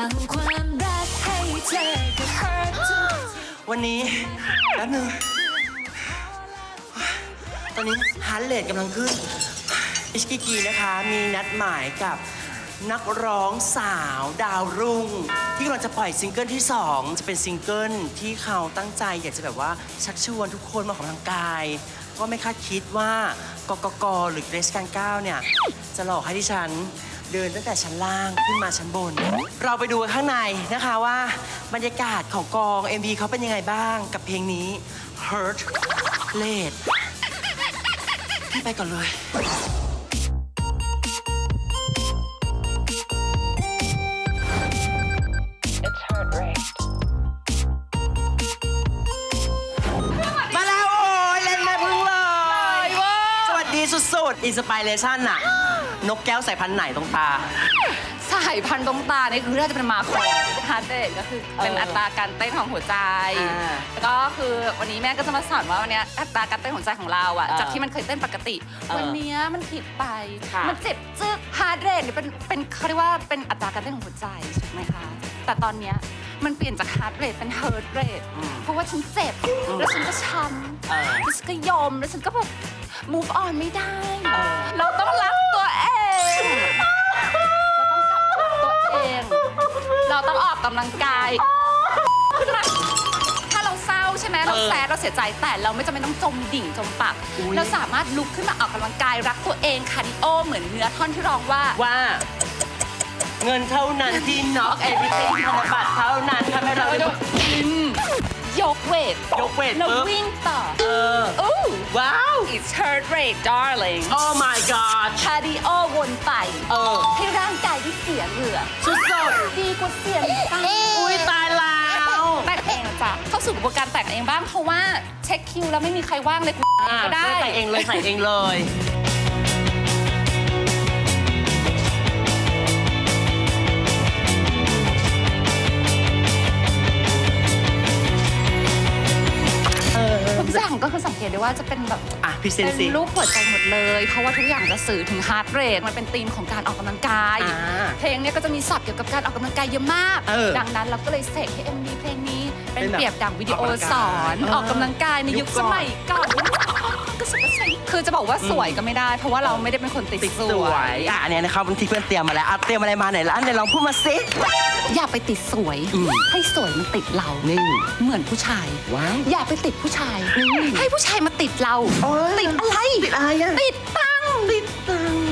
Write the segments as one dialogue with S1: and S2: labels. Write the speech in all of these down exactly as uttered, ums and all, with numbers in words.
S1: ำความรักให้เธอกับ Hurt
S2: วันนี้แป๊บนึงตอนนี้ฮาร์ทเรทกำลังขึ้นอิชกิกีนะคะมีนัดหมายกับนักร้องสาวดาวรุ่ง ที่กำลังจะปล่อยซิงเกิลที่สองจะเป็นซิงเกิลที่เขาตั้งใจอยากจะแบบว่าชักชวนทุกคนมาออกกำลังกายก็ไม่คาดคิดว่ากกกหรือเกรซการก้าวเนี่ยจะหลอกให้ดิฉันเดินตั้งแต่ชั้นล่างขึ้นมาชั้นบน เราไปดูกันข้างในนะคะว่าบรรยากาศของกอง เอ็ม วี เขาเป็นยังไงบ้างกับเพลงนี้ Hurt Rate พี่ไปก่อนเลยมาแล้วโอ้ยเล่นแม่พึ่งเลยสวัสดีสุดๆอินสปิเรชันน่ะนกแก้วสายพันธุ์ไหนตรงตา
S3: สายพันธุ์ตรงตาเนี่ยคือน่าจะเป็นมาโครฮาร์ดเรทก็คือเป็นอัตราการเต้นของหัวใจแล้วก็คือวันนี้แม่ก็จะมาสอนว่าวันนี้อัตราการเต้นหัวใจของเราอะจากที่มันเคยเต้นปกติวันนี้มันผิดไปมันเจ็บจึ๊กฮาร์ดเรทเนี่ยเป็นเป็นเขาเรียกว่าเป็นอัตราการเต้นของหัวใจถูกไหมคะแต่ตอนเนี้ยมันเปลี่ยนจากฮาร์ดเรทเป็นเฮิร์ตเรทเพราะว่าฉันเจ็บแล้วฉันก็ช้ำแล้วฉันก็ยอมแล้วฉันก็แบบ move on ไม่ได้เราต้องรักตัวเองเราต้องออกกำลังกายขึ้นมาถ้าเราเศร้าใช่ไหมเราแซดเราเสียใจแต่เราไม่จำเป็นต้องจมดิ่งจมปักเราสามารถลุกขึ้นมาออกกำลังกายรักตัวเองคาร์ดิโอเหมือนเนื้อท่อนที่ร้องว่า
S2: ว่าเงินเท่านั้นที่น็อกเอวิติ้งธนบัตรเท่านั้นทำให้เราได้
S3: ยกเวท
S2: ยกเวท
S3: แล้ววิ่งต่อ
S2: เออว้าว
S3: it's heart rate darling
S2: oh my god
S3: คาร์ดิโอวนไป
S2: เออ
S3: ให้ร่างกายได้เสียเหงื่อ
S2: สุด
S3: ๆดีกว่าเสียตังค์
S2: อุ้ยตายแล้ว
S3: แต่งเองจ้ะเข้าสู่กระบวนการแต่งเองบ้างเพราะว่าเช็คคิวแล้วไม่มีใครว่างเลยก็ได้
S2: ใส่เองเลยใส่เองเลย
S3: ทุกอย่างก็คือสังเกตได้ว่าจะเป็นแบบ
S2: อ่ะพิเศษ
S3: เป็นรูปหัวใจหมดเลยเพราะว่าทุกอย่างจะสื่อถึงฮาร์ดเรทมันเป็นธีมของการออกกำลังกายเพลงนี้ก็จะมีศัพท์เกี่ยวกับการออกกำลังกายเยอะมากดังนั้นเราก็เลยเสกให้ เอ็ม วี เพลงนี้เป็นเปรียบดังวิดีโอสอนออกกำลังกายในยุคสมัยก่อนก็สุดคือจะบอกว่าสวยก็ไม่ได้เพราะว่าเราไม่ได้เป็นคนติดสวย
S2: อ่ะอันนี้นะครับที่เพื่อนเตรียมมาแล้วเตรียมอะไรมาไหนแล้วอันไหนลองพูดมาสิ
S3: อย่าไปติดสวยให้สวยมันติดเรา
S2: นี่
S3: เหมือนผู้ชายอย่าไปติดผู้ชายให้ผู้ชายมาติดเราติดอะไร
S2: ติดอะไรอะ
S3: ติดตัง
S2: ติดตัง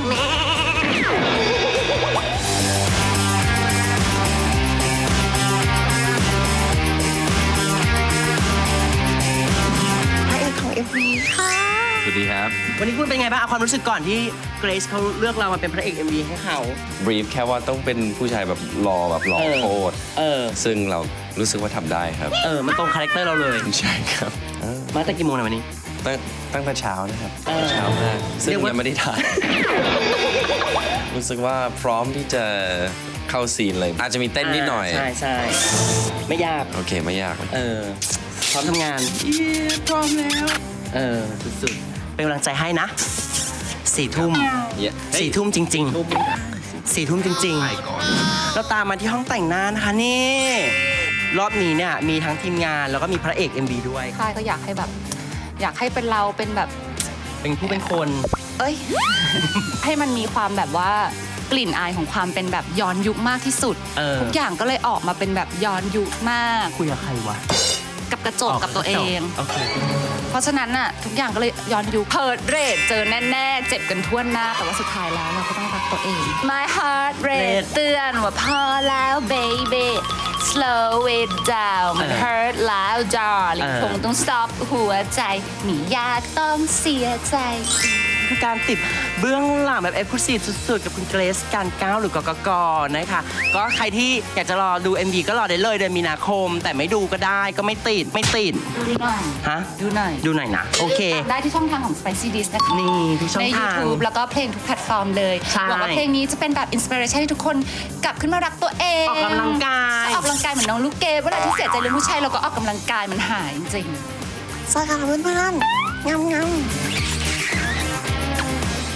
S2: พระเอกของ เอ็ม วี ค่ะ
S4: สวัสดีครับ
S2: วันนี้คุณเป็นไงบ้างเอาความรู้สึกก่อนที่เกรซเขาเลือกเรามาเป็นพระเอก เอ็ม วี ให้เขา
S4: บรีฟแค่ว่าต้องเป็นผู้ชายแบบหล่อแบบหล่อโคตรซึ่งเรารู้สึกว่าทำได้ครับ
S2: เออมันตรงคาแรคเตอร์เราเลย
S4: ใช่ครับ
S2: มาตั้งกี่โมงนะวันนี้
S4: ตั้งตั้งแต่เช้านะครับเช้ามากซึ่งยังไม่ได้ถ่ายรู้สึกว่าพร้อมที่จะเข้าซีนเลยอาจจะมีเต้นนิดหน่อย
S2: ใช่ใช่ไม่ยาก
S4: โอเคไม่ยาก
S2: เออพร้อมทำงาน
S4: พร้อมแล้ว
S2: เออสุดๆเป็นกำลังใจให้นะสี่ทุ่มสี่ทุ่มจริงๆสี่ทุ่มจริงๆเราตามมาที่ห้องแต่งหน้านะคะนี่รอบนี้เนี่ยมีทั้งทีมงานแล้วก็มีพระเอก เอ็ม วี ด้วย
S3: ใช่ก็อยากให้แบบอยากให้เป็นเราเป็นแบบ
S2: เป็นผู้เป็นคน
S3: เอ้ยให้มันมีความแบบว่ากลิ่นอายของความเป็นแบบย้อนยุคมากที่สุดทุกอย่างก็เลยออกมาเป็นแบบย้อนยุคมาก
S2: คุยกับใครวะ
S3: กับกระจกกับตัวเองเพราะฉะนั้นน่ะทุกอย่างก็เลยย้อนยุคเฮิร์ตเรทเจอแน่ๆเจ็บกันทั่วหน้าแต่ว่าสุดท้ายแล้วเราก็ต้องรักตัวเอง My heart rate เตือนว่าพอแล้ว baby slow it down มัน hurt แล้ว darling คงต้อง stop หัวใจไม่อยากต้องเสียใจ
S2: คือการติดเบื้องหลังแบบเอ็กซ์คลูซีฟสุดๆกับคุณเกรซการก้าวหรือกกกนะคะก็ใครที่อยากจะรอดู เอ็ม วี ก็รอได้เลยเดือนมีนาคมแต่ไม่ดูก็ได้ก็ไม่ติดไม่ติด
S3: ดูหน่อย
S2: ฮะ
S3: ดูหน่อย
S2: ดูหน่อยนะโอเค
S3: ได้ที่ช่องทางของ Spicy Dish นะคะ
S2: นี่ทุกช่องทาง
S3: ใน YouTube แล้วก็เพลงทุกแพลตฟอร์มเลยหวังว่าเพลงนี้จะเป็นแบบอินสปิเรชันให้ทุกคนกลับขึ้นมารักตัวเอง
S2: ออกกำลังกาย
S3: ออกกำลังกายเหมือนน้องลูกเกดเวลาที่เสียใจเรื่องผู้ชายเราก็ออกกำลังกายมันหายจริง
S2: สวัสดีค่ะเพื่อนๆงามๆ